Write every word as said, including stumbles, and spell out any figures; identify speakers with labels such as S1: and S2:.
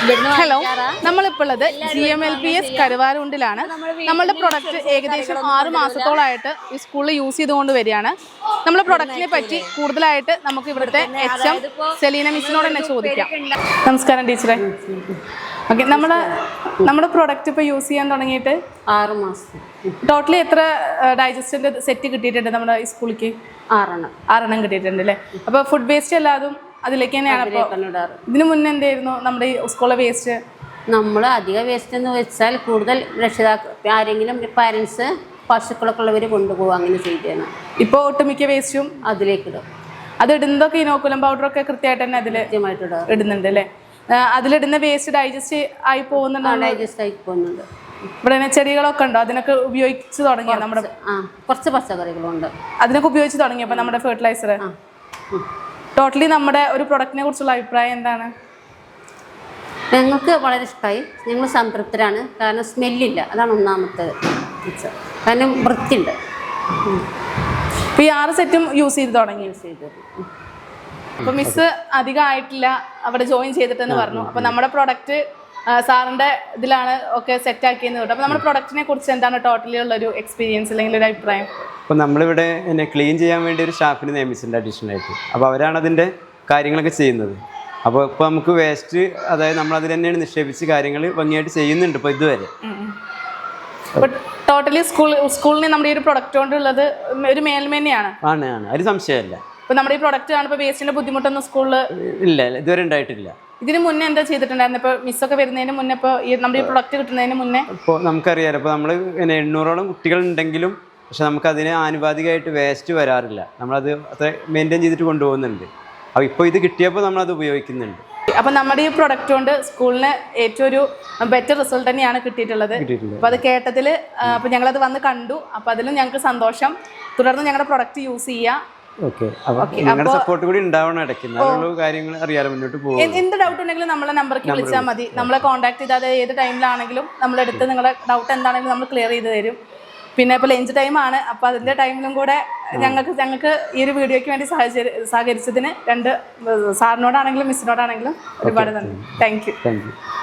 S1: Hello, നമ്മളിപ്പോൾ ഉള്ളത് G M L P S കരുവാരുണ്ടിലാണ്. നമ്മളുടെ പ്രൊഡക്റ്റ് ഏകദേശം ആറ് മാസത്തോളമായിട്ട് ഈ സ്കൂളിൽ യൂസ് ചെയ്തുകൊണ്ട് വരികയാണ്. നമ്മുടെ പ്രൊഡക്റ്റിനെ പറ്റി കൂടുതലായിട്ട് നമുക്ക് ഇവിടുത്തെ എച്ച് എം സെലീന മിസ്സിനോട് തന്നെ ചോദിക്കാം. നമസ്കാരം ടീച്ചറെ. ഓക്കെ, നമ്മുടെ നമ്മുടെ പ്രൊഡക്റ്റ് ഇപ്പോൾ യൂസ് ചെയ്യാൻ തുടങ്ങിയിട്ട്
S2: ആറ് മാസം.
S1: ടോട്ടലി എത്ര ഡൈജസ്റ്റിൻ്റെ സെറ്റ് കിട്ടിയിട്ടുണ്ട് നമ്മുടെ ഈ സ്കൂളിലേക്ക്?
S2: ആറെണ്ണം
S1: ആറെണ്ണം കിട്ടിയിട്ടുണ്ട് അല്ലേ? അപ്പോൾ ഫുഡ് വേസ്റ്റ് എല്ലാതും അതിലേക്ക് തന്നെയാണ്. അപ്പോൾ ഇതിന് മുന്നേ എന്തായിരുന്നു നമ്മുടെ ഈ സ്കൂളിലെ വേസ്റ്റ്?
S2: നമ്മൾ അധിക വേസ്റ്റ് എന്ന് വെച്ചാൽ കൂടുതൽ രക്ഷിതാക്കൾ ആരെങ്കിലും പാരൻസ് പശുക്കളൊക്കെ ഉള്ളവർ കൊണ്ടുപോകും, അങ്ങനെ ചെയ്തതാണ്.
S1: ഇപ്പോൾ ഒട്ടുമിക്ക വേസ്റ്റും
S2: അതിലേക്ക് ഇടും.
S1: അത് ഇടുന്നതൊക്കെ ഇനോക്കുലം പൗഡറൊക്കെ കൃത്യമായിട്ട് തന്നെ അതിൽ
S2: കൃത്യമായിട്ട്
S1: ഇടുന്നുണ്ട് അല്ലേ? അതിലിടുന്ന വേസ്റ്റ് ഡൈജസ്റ്റ് ആയി പോകുന്നുണ്ടോ?
S2: ഡൈജസ്റ്റ് ആയി പോകുന്നുണ്ട്.
S1: ഇവിടെ തന്നെ ചെടികളൊക്കെ ഉണ്ടോ? അതിനൊക്കെ ഉപയോഗിച്ച് തുടങ്ങിയോ? നമ്മുടെ
S2: ആ കുറച്ച് പച്ചക്കറികളുണ്ട്,
S1: അതിനൊക്കെ ഉപയോഗിച്ച് തുടങ്ങിയപ്പോൾ നമ്മുടെ ഫെർട്ടിലൈസർ. ടോട്ടലി നമ്മുടെ ഒരു പ്രൊഡക്റ്റിനെ കുറിച്ചുള്ള അഭിപ്രായം എന്താണ്?
S2: ഞങ്ങൾക്ക് വളരെ ഇഷ്ടമായി, ഞങ്ങൾ സംതൃപ്തരാണ്. കാരണം സ്മെല്ലില്ല, അതാണ് ഒന്നാമത്തെ. കാരണം വൃത്തിയുണ്ട്.
S1: ഇപ്പോൾ ഈ ആറ് സെറ്റും യൂസ് ചെയ്ത് തുടങ്ങി.
S2: യൂസ് ചെയ്ത്
S1: അപ്പോൾ മിസ് അധികം ആയിട്ടില്ല അവിടെ ജോയിൻ ചെയ്തിട്ടെന്ന് പറഞ്ഞു. അപ്പോൾ നമ്മുടെ പ്രൊഡക്റ്റ് സാറിൻ്റെ ഇതിലാണ് ഒക്കെ സെറ്റ് ആക്കിയെന്ന് കേട്ടോ. അപ്പോൾ നമ്മുടെ പ്രൊഡക്റ്റിനെ കുറിച്ച് എന്താണ് ടോട്ടലി ഉള്ളൊരു എക്സ്പീരിയൻസ് അല്ലെങ്കിൽ ഒരു അഭിപ്രായം?
S3: അപ്പോൾ നമ്മളിവിടെ എന്നെ ക്ലീൻ ചെയ്യാൻ വേണ്ടി ഒരു സ്റ്റാഫിനെ നിയമിച്ചിട്ടുണ്ട് അഡീഷണലായിട്ട്. അപ്പോൾ അവരാണ് അതിൻ്റെ കാര്യങ്ങളൊക്കെ ചെയ്യുന്നത്. അപ്പോൾ ഇപ്പോൾ നമുക്ക് വേസ്റ്റ്, അതായത് നമ്മളതിൽ തന്നെയാണ് നിക്ഷേപിച്ച് കാര്യങ്ങൾ ഭംഗിയായിട്ട് ചെയ്യുന്നുണ്ട് ഇപ്പോൾ ഇതുവരെ.
S1: അപ്പോൾ ടോട്ടലി സ്കൂൾ സ്കൂളിന് നമ്മുടെ ഈ ഒരു പ്രൊഡക്റ്റ് കൊണ്ടുള്ളത് ഒരു മേൽമേനെയാണ്.
S3: ആണ് ആണ് ഒരു സംശയമല്ല.
S1: ഇപ്പോൾ നമ്മുടെ ഈ പ്രൊഡക്റ്റ് ആണ് ഇപ്പോൾ വേസ്റ്റിൻ്റെ ബുദ്ധിമുട്ടൊന്നും സ്കൂളിൽ
S3: ഇല്ല, ഇതുവരെ ഉണ്ടായിട്ടില്ല.
S1: ഇതിന് മുന്നേ എന്താ ചെയ്തിട്ടുണ്ടായിരുന്നു? ഇപ്പോൾ മിസ്സൊക്കെ വരുന്നതിന് മുന്നേ, ഇപ്പോൾ ഈ നമ്മുടെ ഈ പ്രൊഡക്റ്റ് കിട്ടുന്നതിന് മുന്നേ
S3: ഇപ്പോൾ നമുക്കറിയാലോ, ഇപ്പോൾ നമ്മൾ പിന്നെ എണ്ണൂറോളം കുട്ടികളുണ്ടെങ്കിലും പക്ഷെ നമുക്കതിന് ആനുപാതികമായിട്ട് വേസ്റ്റ് വരാറില്ല. നമ്മളത് അത്ര മെയിൻറ്റെയിൻ ചെയ്തിട്ട് കൊണ്ടുപോകുന്നുണ്ട്. അപ്പോൾ ഇപ്പോൾ ഇത് കിട്ടിയപ്പോൾ നമ്മളത് ഉപയോഗിക്കുന്നുണ്ട്.
S1: അപ്പോൾ നമ്മുടെ ഈ പ്രൊഡക്റ്റ് കൊണ്ട് സ്കൂളിന് ഏറ്റവും ഒരു ബെറ്റർ റിസൾട്ട് തന്നെയാണ് കിട്ടിയിട്ടുള്ളത്. അപ്പോൾ അത് കേട്ടതിൽ അപ്പോൾ ഞങ്ങളത് വന്ന് കണ്ടു. അപ്പോൾ അതിലും ഞങ്ങൾക്ക് സന്തോഷം. തുടർന്ന് ഞങ്ങളുടെ പ്രൊഡക്റ്റ് യൂസ് ചെയ്യുക.
S3: ഓക്കെ, അപ്പോൾ നിങ്ങളുടെ സപ്പോർട്ട് കൂടി ഉണ്ടാവണം ഇടയ്ക്ക്, എന്നാലുള്ള കാര്യങ്ങൾ അറിയാതെ മുന്നോട്ട് പോകും.
S1: എന്ത് ഡൗട്ട് ഉണ്ടെങ്കിലും നമ്മളെ നമ്പർക്ക് വിളിച്ചാൽ മതി. നമ്മളെ കോൺടാക്ട് ചെയ്താൽ ഏത് ടൈമിലാണെങ്കിലും നമ്മളെടുത്ത് നിങ്ങളുടെ ഡൗട്ട് എന്താണെങ്കിലും നമ്മൾ ക്ലിയർ ചെയ്ത് തരും. പിന്നെ ഇപ്പോൾ ലഞ്ച് ടൈമാണ്, അപ്പോൾ അതിൻ്റെ ടൈമിലും കൂടെ ഞങ്ങൾക്ക് ഞങ്ങൾക്ക് ഈ ഒരു വീഡിയോയ്ക്ക് വേണ്ടി സഹചരി സഹകരിച്ചതിന് രണ്ട് സാറിനോടാണെങ്കിലും മിസ്സിനോടാണെങ്കിലും ഒരുപാട് നന്ദി. Thank you.
S3: Thank U.